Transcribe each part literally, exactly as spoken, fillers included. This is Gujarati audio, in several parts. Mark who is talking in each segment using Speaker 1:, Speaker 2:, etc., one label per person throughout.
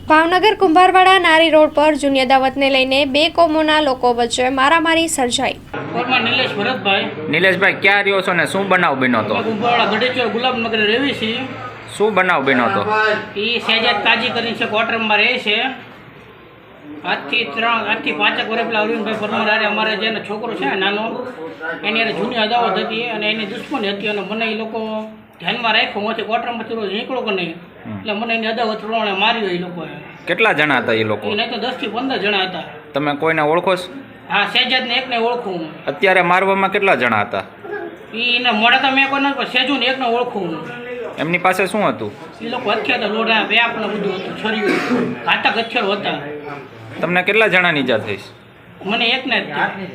Speaker 1: ભાવનગર કુંભારવાડા નારી રોડ પર જૂની અદાવતને લઈને બે કોમોના લોકો વચ્ચે મારામારી સર્જાઈ।
Speaker 2: કોરમાં નિલેશ ભરતભાઈ।
Speaker 3: નિલેશભાઈ ક્યાં રહ્યો છો ને શું બનાવ બન્યો હતો?
Speaker 2: કુંભારવાડા ગઢેચોર ગુલાબનગર રહેવી છે।
Speaker 3: શું બનાવ બન્યો હતો?
Speaker 2: એ શહેજાદ કાજી કરીને છે, ક્વાર્ટરમાં રહે છે। આજથી ત્રણ આજથી પાંચેક વર્ષ પેલા અરવિંદભાઈ પરમાર હારે અમારે જેનો છોકરો છે નાનો, એની હારે જૂની અદાવત હતી અને એની દુશ્મની હતી અને મને એ લોકો ધ્યાનમાં રાખ્યો, હું ક્વાર્ટરમાંથી રોજ નીકળો કે નહીં, એટલે મને એની અદાવત પ્રમાણે માર્યો એ લોકોએ।
Speaker 3: કેટલા જણા હતા એ લોકો?
Speaker 2: નહીં તો દસ થી પંદર જણા હતા।
Speaker 3: તમે કોઈને ઓળખો છો?
Speaker 2: હા, શહેજાદને એકને ઓળખું હું।
Speaker 3: અત્યારે મારવામાં કેટલા જણા હતા?
Speaker 2: એને મોડા તો મેં કોઈને પણ શેજુને એકને ઓળખું હું।
Speaker 3: એમની પાસે શું હતું?
Speaker 2: એ લોકો હથિયાર હતા, લોઢા વ્યાપ ને બધું હતું, છરીયું, ઘાતક હથિયારો હતા।
Speaker 3: તમને કેટલા જણાની ઈજા થઈ?
Speaker 2: મને એકને જ હતી।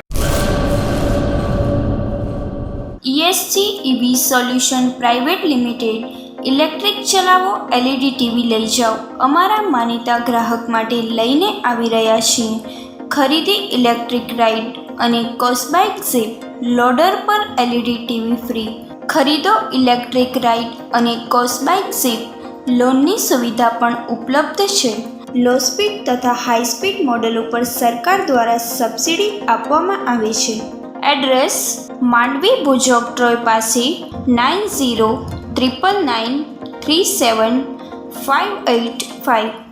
Speaker 4: ESG EV solution private limited. Electric ચલાવો, એલઈડી ટીવી લઈ જાઓ। અમારા માનીતા ગ્રાહક માટે લઈને આવી રહ્યા છીએ। ખરીદી ઇલેક્ટ્રિક રાઇડ અને કોસ્બાઇક ઝીપ લોડર પર એલઈડી ટીવી ફ્રી। ખરીદો ઇલેક્ટ્રિક રાઇડ અને કોસ્બાઇક ઝીપ, લોનની સુવિધા પણ ઉપલબ્ધ છે। લો સ્પીડ તથા હાઈ સ્પીડ મોડેલ ઉપર સરકાર દ્વારા સબસિડી આપવામાં આવે છે। એડ્રેસ માંડવી ભુજોક ટ્રોય પાસે nine zero triple nine three seven five eight five.